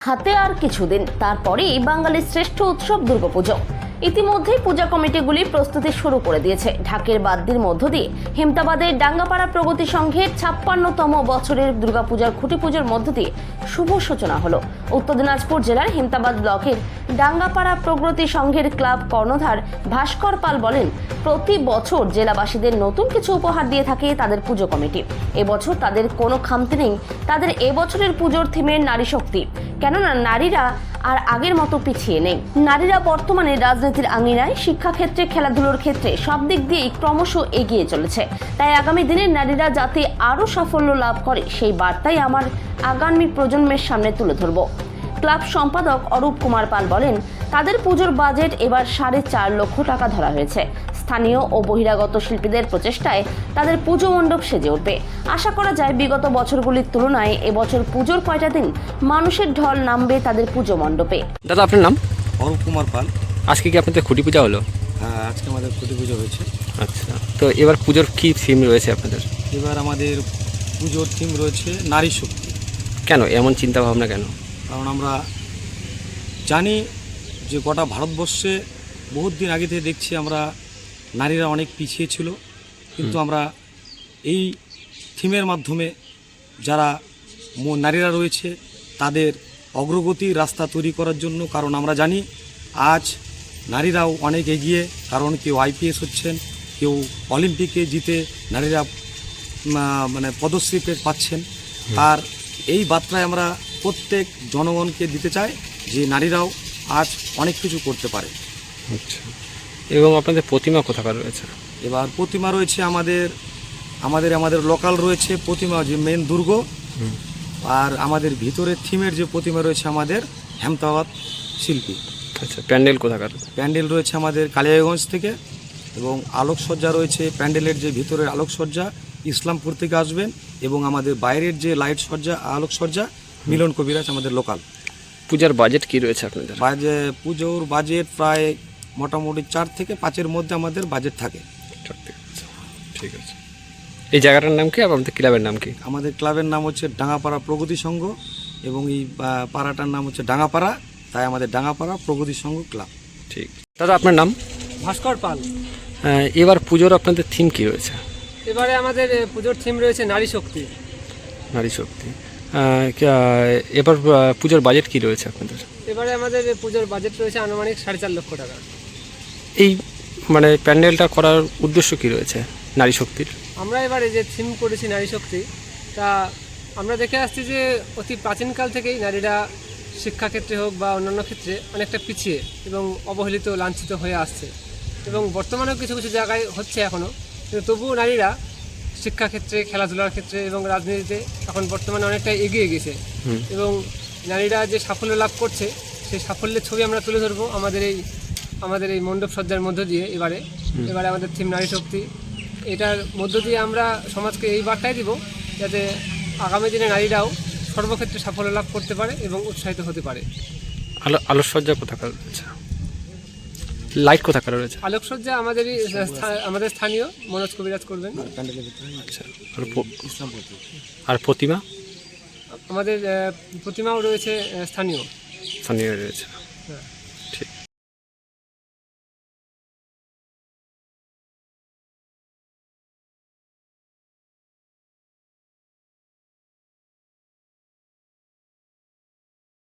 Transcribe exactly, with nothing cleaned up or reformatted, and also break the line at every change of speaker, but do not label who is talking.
হাতে আর কিছুদিন, তারপরেই বাঙালির শ্রেষ্ঠ উৎসব দুর্গাপুজো। ইতিমধ্যেই পূজা কমিটিগুলি প্রস্তুতি শুরু করে দিয়েছে। ঢাকের বাদ্যির মধ্য দিয়ে হেমতাবাদের ডাঙ্গাপাড়া প্রগতি সংঘের ছাপ্পান্নতম বছরের দুর্গাপূজার খুঁটি পুজোর মধ্য দিয়ে শুভ সূচনা হলো। উত্তর দিনাজপুর জেলার হেমতাবাদ ব্লকের ডাঙ্গাপাড়া প্রগতি সংঘের ক্লাব কর্ণধার ভাস্কর পাল বলেন, প্রতি বছর জেলাবাসীদের নতুন কিছু উপহার দিয়ে থাকে তাদের পুজো কমিটি। এবছর তাদের কোনো খামতি নেই। তাদের এবছরের পুজোর থিমের নারী শক্তি, কেননা নারীরা আর আগের মতো পিছিয়ে নেই। নারীরা বর্তমানে রাজনীতির আঙিনায়, শিক্ষাক্ষেত্রে, খেলাধুলোর ক্ষেত্রে সব দিক দিয়েই ক্রমশ এগিয়ে চলেছে। তাই আগামী দিনের নারীরা যাতে আরও সাফল্য লাভ করে সেই বার্তাই আমার আগামী প্রজন্মের সামনে তুলে ধরব। ক্লাব সম্পাদক অরূপ কুমার পাল বলেন, তাদের পুজোর বাজেট এবার সাড়ে চার লক্ষ টাকা ধরা হয়েছে। স্থানীয় ও বহিরাগত শিল্পীদের প্রচেষ্টায় তাদের পুজো মণ্ডপ সেজে উঠবে। আশা করা যায় বিগত বছরগুলির তুলনায় এবছর পুজোর কয়টা দিন মানুষের ঢল নামবে তাদের পুজো মণ্ডপে।
দাদা, আপনার নাম?
অরূপ কুমার পাল।
আজকে কি আপনাদের খুঁটি পূজা হলো?
হ্যাঁ, আজকে আমাদের খুঁটি পুজো হয়েছে।
আচ্ছা, তো এবার পুজোর কি থিম রয়েছে আপনাদের?
এবার আমাদের পুজোর থিম রয়েছে নারী শক্তি।
কেন এমন চিন্তা ভাবনা কেন?
কারণ আমরা জানি যে গোটা ভারতবর্ষে বহুত দিন আগে থেকে দেখছি আমরা নারীরা অনেক পিছিয়ে ছিল, কিন্তু আমরা এই থিমের মাধ্যমে যারা নারীরা রয়েছে তাদের অগ্রগতির রাস্তা তৈরি করার জন্য। কারণ আমরা জানি আজ নারীরাও অনেক এগিয়ে, কারণ কেউ আইপিএস হচ্ছেন, কেউ অলিম্পিকে জিতে নারীরা মানে পদশ্রী পাচ্ছেন। আর এই বার্তায় আমরা প্রত্যেক জনগণকে দিতে চাই যে নারীরাও আজ অনেক কিছু করতে পারে।
আচ্ছা, এবং আপনাদের প্রতিমা কোথাকার রয়েছে?
এবার প্রতিমা রয়েছে আমাদের আমাদের আমাদের লোকাল রয়েছে প্রতিমা, যে মেন দুর্গ। আর আমাদের ভিতরের থিমের যে প্রতিমা রয়েছে আমাদের হেমতাবাদ শিল্পী।
আচ্ছা, প্যান্ডেল কোথাকার?
প্যান্ডেল রয়েছে আমাদের কালিয়াগঞ্জ থেকে, এবং আলোকসজ্জা রয়েছে প্যান্ডেলের যে ভিতরের আলোকসজ্জা ইসলামপুর থেকে আসবেন, এবং আমাদের বাইরের যে লাইট সজ্জা আলোকসজ্জা মিলন কবিরাজ আমাদের লোকাল।
পূজার বাজেট কি রয়েছে আপনাদের?
বাজে পুজোর বাজেট প্রায় মোটামুটি চার থেকে পাঁচের মধ্যে আমাদের বাজেট থাকে।
ঠিক আছে। এই জায়গাটার নাম কি, আর আমাদের ক্লাবের নাম কি?
আমাদের ক্লাবের নাম হচ্ছে ডাঙ্গাপাড়া প্রগতি সংঘ, এবং এই পাড়াটার নাম হচ্ছে ডাঙ্গাপাড়া, তাই আমাদের ডাঙ্গাপাড়া প্রগতি সংঘ ক্লাব।
ঠিক। দাদা, আপনার নাম?
ভাস্কর পাল।
এবার পুজোর আপনাদের থিম কি রয়েছে?
এবারে আমাদের পুজোর থিম রয়েছে নারী শক্তি।
নারী শক্তি। এবার পুজোর বাজেট কি রয়েছে আপনাদের?
এবারে আমাদের পুজোর বাজেট রয়েছে আনুমানিক সাড়ে চার লক্ষ টাকা।
এই মানে প্যান্ডেলটা করার উদ্দেশ্য কি রয়েছে নারী শক্তির?
আমরা এবারে যে থিম করেছি নারী শক্তি, তা আমরা দেখে আসছি যে অতি প্রাচীনকাল থেকেই নারীরা শিক্ষাক্ষেত্রে হোক বা অন্যান্য ক্ষেত্রে অনেকটা পিছিয়ে এবং অবহেলিত, লাঞ্ছিত হয়ে আসছে, এবং বর্তমানেও কিছু কিছু জায়গায় হচ্ছে এখনও, কিন্তু তবুও নারীরা শিক্ষাক্ষেত্রে, খেলাধুলার ক্ষেত্রে এবং রাজনীতিতে এখন বর্তমানে অনেকটা এগিয়ে গেছে। এবং নারীরা যে সাফল্য লাভ করছে সেই সাফল্যের ছবি আমরা তুলে ধরবো আমাদের এই আমাদের এই মণ্ডপ সজ্জার মধ্য দিয়ে। এবারে এবারে আমাদের থিম নারী শক্তি। এটার মধ্য দিয়ে আমরা সমাজকে এই বার্তাই দিব যাতে আগামী দিনে নারীরাও সর্বক্ষেত্রে সাফল্য লাভ করতে পারে এবং উৎসাহিত হতে পারে।
আলো আলোকসজ্জা কোথাকার রয়েছে? লাইট কোথাকার রয়েছে?
আলোকসজ্জা আমাদেরই আমাদের স্থানীয় মনোজ কবিরাজ করবেন।
আচ্ছা, আর প্রতিমা?
আমাদের প্রতিমাও রয়েছে স্থানীয়
স্থানীয় রয়েছে।
হ্যাঁ।